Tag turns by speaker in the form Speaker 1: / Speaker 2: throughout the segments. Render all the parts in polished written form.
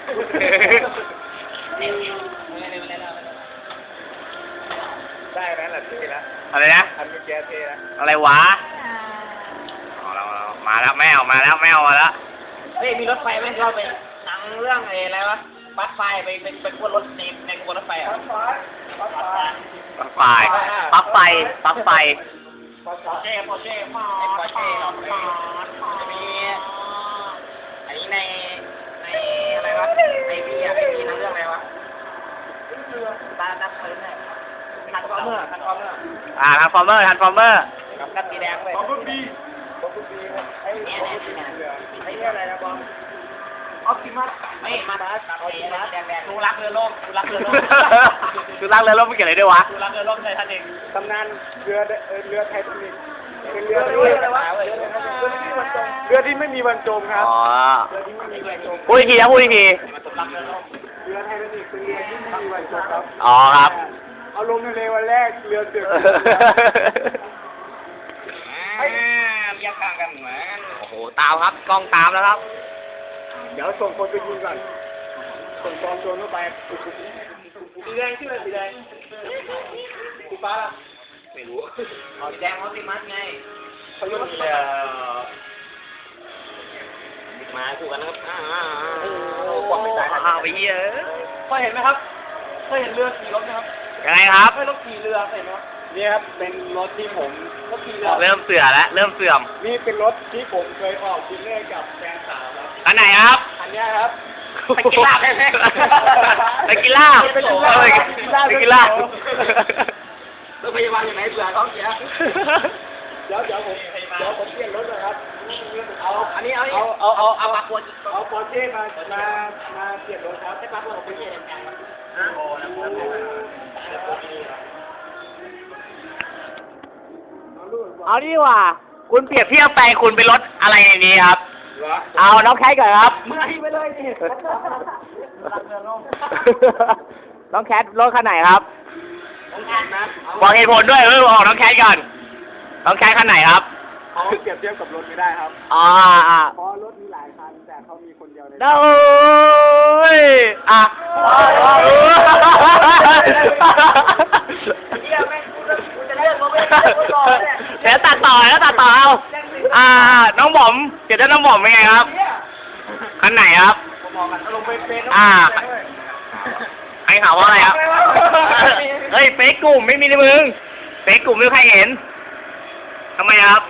Speaker 1: ได้แล้วแหละเท่แล้ว
Speaker 2: อะไรนะ
Speaker 1: อันเมื่อกี้เท่แล้ว
Speaker 2: อะไรวะเรามาแล้วแมวมาแล้วแมวมาแล้ว
Speaker 3: เฮ้ยมีรถไฟไหมเราไปหนังเรื่องอะไรวะบัสไฟไปกวนรถในกวนรถไฟอ่ะ
Speaker 2: ปลั๊กไฟปลั๊กไฟปลั๊กไฟ
Speaker 3: ปอร์เช่ปอร์เช่จะมีอันนี้ในอะไรวะในพี่อ่ะในพี่หนังเรื่องอะไรวะตาดับเพลิงเนี่ยทันฟอร์เมอร์
Speaker 2: ทันฟอร์เมอร์
Speaker 3: กับกัดสีแดงเลย
Speaker 1: บอมบี้
Speaker 3: ไอ้เนี่ยอะไรนะบอมออปติมัสไม่มาแดงดูรักเรือล่มดูรักเรือล่ม
Speaker 2: ดูรักเรือล่มไม่เกี่ยวอะไรด้วยวะ
Speaker 3: ดูรักเรือล่มใช่ท่านเอง
Speaker 1: ตำนานเรือไททานิคเป็นเรือที่ไม่มีบรรจงครับเรือที่ไม่มีบรรจง
Speaker 2: พูดอีกทีนะพูดอีกที
Speaker 1: เรือไททานิคเป็นเรือที่ไม่มีบรรจงครับ
Speaker 2: อ๋อครับ
Speaker 1: เอาลงทะเลวันแรกเรือเดือด
Speaker 3: เรียกข้างกันเหมือน
Speaker 2: โอ้โหตามครับกล้องตามแล้วครับ
Speaker 1: เดี๋ยวส่งคนไปยิงก่อนส่งกองโจรเข้าไปสีแดงชื่ออะไรสีแดงสีฟ้าล่ะ
Speaker 3: ไม่รู้อ๋อแดงออปติมัสไง
Speaker 1: เขายกเลย
Speaker 3: มาคู่กันนะครับ
Speaker 2: ความไม่ตายไปเยอะ
Speaker 3: เคยเห็นไหมครับเคยเห็นเรือขี่รถไหมครับ
Speaker 2: ยังไงครับ
Speaker 3: ไม่รถขี่เรือเห็นไหม
Speaker 1: นี่ครับเป็นรถที่ผม
Speaker 3: รถขี่เรือ
Speaker 2: เริ่มเสื่อมแล้วเริ่มเสื่อม
Speaker 1: นี่เป็นรถที่ผมเคยออกดินเนอร์กับแฟนสาวครับ
Speaker 2: อันไหนครับ
Speaker 1: อันนี้ครับ
Speaker 2: ไปกินลาบใช่ไหมไปกินลาบไปกินลาบ
Speaker 3: รถพยาบาลอยู่ไหนเผื่อท้องเสีย
Speaker 1: เดี๋ยวผมเปลี่ยนรถนะครับ
Speaker 3: เอาอันนี้เอาปากขวด
Speaker 1: เอาปอร์เช่มาเปลี่ยนรถครับ
Speaker 3: ให้ปากขวดของคุณเองกัน
Speaker 2: เอาดีกว่าคุณเปรียบเทียบแฟนคุณเป็นรถอะไรในนี้ครับเอาน้องแคทก่อนครับ
Speaker 3: เมื่อไปเลยนี่
Speaker 2: น้องแคทรถคันไหนครับ
Speaker 3: น้องแคทนะ
Speaker 2: บอกเหตุผลด้วยบอกน้องแคทก่อนน้องแคทคันไหนครับ
Speaker 1: เขาเปรียบเทียบกับรถไม่ได้ครับเพราะรถมีหลายคันแต่เขามีคนเดียวใน
Speaker 2: โอ้ยเดี๋ยวตัดต่อแล้วตัดต่อเอาน้องหม่อมเดี๋ยวน้องหม่อมเป็นไงครับคันไหนครับให้ข่าวว่าอะไรครับเฮ้ยเฟซกลุ่มไม่มีในมึงเฟซกลุ่มไม่ใครเห็นทำไมครับ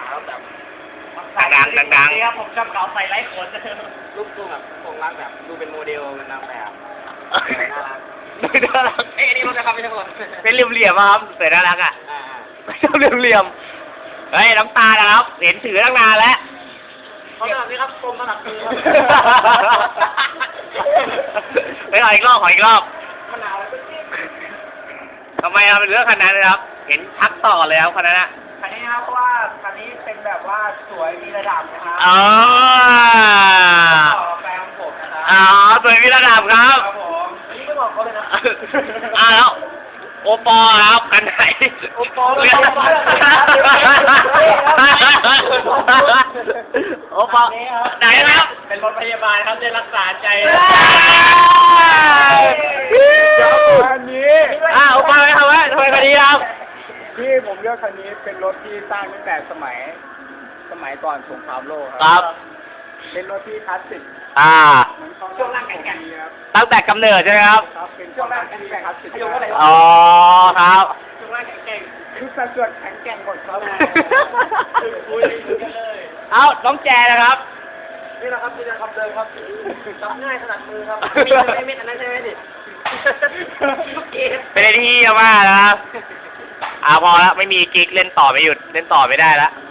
Speaker 2: ดัง
Speaker 3: นี่ครับผมชอบเก่าใส่ไร้ขนรูปทรงแบบของรักแบบดูเป็นโมเดลมันนางแบบ
Speaker 2: น่ารัก
Speaker 3: เอ้ยนี่รถนะครับไม่ใช่คน
Speaker 2: เป็นเหลี่ยมๆครับแต่น่ารักอ่ะไม่ชอบเหลี่ยมเฮ้ยน้ำตานะครับเห็นถือตั้งนานแล้ว
Speaker 3: เขาแบบนี้ครับกลมขนาดมือครับ
Speaker 2: ไปขออีกรอบ
Speaker 3: มันหนาว
Speaker 2: ทำไมเราเป็นเรื่องคันนั้นเลยครับเห็นทักต่อเลยครับคันนั้นอะ
Speaker 3: คันนี้นะครับเพราะว่าคันนี้เป็นแบบว่าสวยมีระดับนะครับแฟนผมนะครับ
Speaker 2: สวยมีระดับครับ
Speaker 3: ผมอันนี้ก็บอกเขาเลยนะ
Speaker 2: แล้วโอปอครับคันไหน
Speaker 3: โอปอ
Speaker 2: ไหนครับ
Speaker 3: เป็นรถพยาบาลครับจะรักษาใจ
Speaker 1: คันนี้
Speaker 2: โอปอไหมครับว่าทำไมคันนี้ครับ
Speaker 1: ที่ผมเลือกคันนี้เป็นรถที่สร้างตั้งแต่สมัยก่อนสงครามโลก
Speaker 2: ครับ
Speaker 1: เป็นรถที่คลาสสิก
Speaker 3: ช่วงล่างแข็ง
Speaker 2: ๆตั้งแต่กำเนิดใช่ไหมครับ
Speaker 1: เป็นช่วงล่างที่คลาสสิก
Speaker 2: อ๋อครับ
Speaker 3: ช่วงล่างแข็ง
Speaker 1: คือสัดส่วนแข็งแกร่งกว่าครับ
Speaker 2: น้องแจนะครับ
Speaker 3: นี่นะครับเดินครับจับง่ายขนาดมือครับมีเม็ดอันนั้นใช่ไหมดิ
Speaker 2: เป็นที่มากนะครับพอแล้วไม่มีกิ๊กเล่นต่อไม่หยุดเล่นต่อไม่ได้แล้ว